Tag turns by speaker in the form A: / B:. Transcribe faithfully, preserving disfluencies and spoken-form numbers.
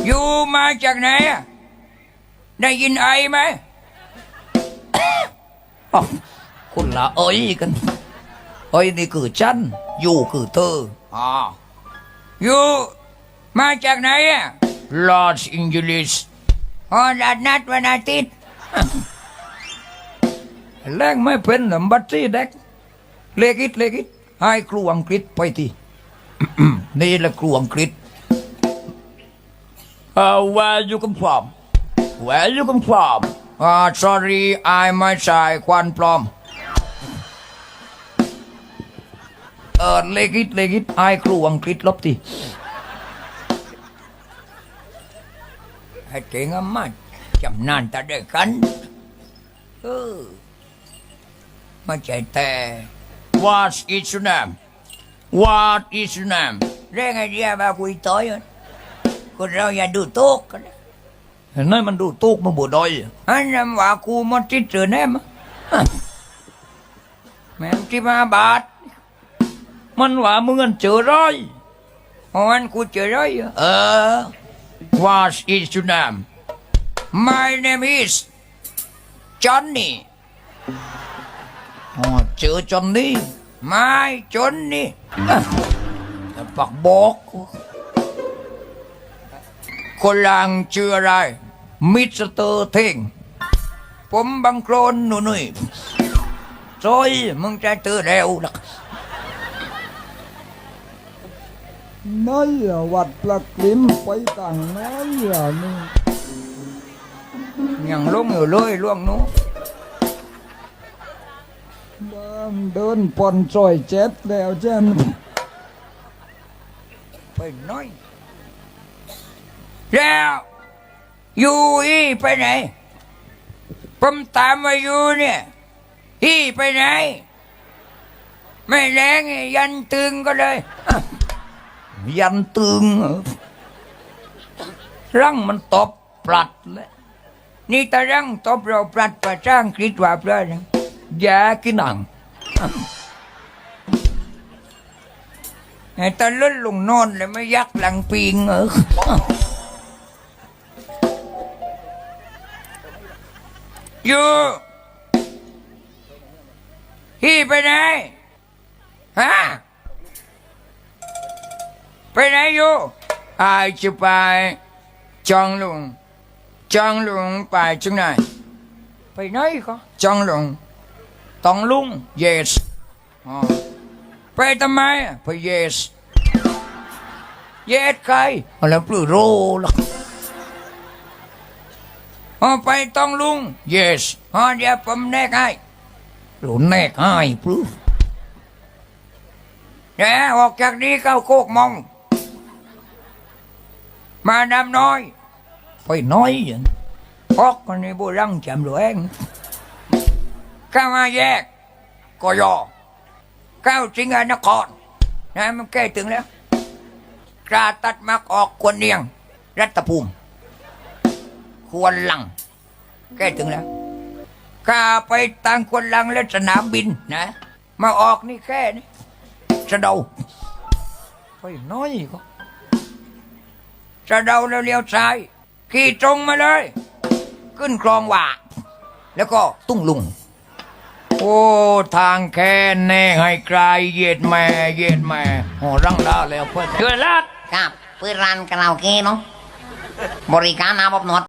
A: อยู่มาจากไหนอะได้ยินไอไหมอ๋อคนละเอ้ยกันเอ้ยนี่คือฉันอยู่คือเธออ๋ออยู่มาจากไหนอะลอสแองเจลิสอ๋อนัดนัดวันอาทิตย์แรงไม่เป็นหรือบัตรซี่เด็กเลกิดเลกิดให้ครูอังกฤษไปที นี่แหละครูอังกฤษ Uh, where you come from? Where you come from? Uh, sorry, I ไม่ใช่ควันปลอมเออเลกิดเลกิดไอ้ครูอังกฤษลบทีไอ้เก่งอะมากจำนานแต่เด็กกันเออไม่ใช่แต่ What is your name? What is your name? เรื่องไอเดียแบบคุยต่อยคนเราอย่าดูโต๊กกันเห็นไหมมันดูโต๊กมันบ่ดอยอันนั้นว่ากูมันติดเจอแน่มแม่งที่มาบาทมันว่ามึงเงินเจอร้อยมันกูเจอร้อยเออ What is your name? My name is Johnny อ๋อเจอจอนนี่ไม่จอนนี่แต่ปักบอกคนลังชื่ออะไรมิสเตอร์เท่งผมบังโคลนหนุ่ยๆซอยมึงจะเจอแล้วล่ะ
B: น้อยวัดปลักลิมไปต่างน้อยนี่
A: ยังลงอยู่เลยล่วงนู้
B: เดินปนซอยเจ็ดแล้วเจ้น
A: ไปน้อยแล้วอยู่อีไปไหนผมตามมาอยู่เนี่ยอีไปไหนไม่แรงยันตึงก็เลยยันตึงรังมันตบปลัดเลยนี่ตารังตบเราปลัดประจ้างคิดว่าเพื่อนยากินหนังไอ้ตาลุ่นลงนอนเลยไม่ยักหลังปิงเอออยู่พี่ไปไหนฮะไปไหนอยู่อาจะไปจองหลงจองหลงไปจังไหนไปไหนก็จองหลงตองลุง yes อ๋อไปทำไมไป yes yes ใครแล้วปลื้อโรล่ะอ๋อไปตองลุง yes อ๋อเดี๋ยวผมแนกให้หลุนแนกให้ปลื้อเดี๋ยวออกจากนี้เข้าโคกมองมาดำน้อยไปน้อยอย่างพอกคนนี้โบรังจำหลวงข้ามาแยกกยอเข้าสิงห์นครนะมันใกล้ถึงแล้วกราตัดมักออกควรเนียงรัตภูมิควรลังใกล้ถึงแล้วข้าไปต่างควรลังและสนามบินนะมาออกนี่แค่นี้สะเดาไปน้อยก็สะเดาแล้วเลี้ยวซ้ายขี่ตรงมาเลยขึ้นคลองหว่าแล้วก็ตุ้งลุงโอ้ทางแค่แน่ให้ไกลเย็ดแม่เย็ดแม่โอ้รังดาแล้วเพื่อนเกิดลัก
C: ครับเปิดร้านคาราโอเกะเนาะบริการอาบอบนวด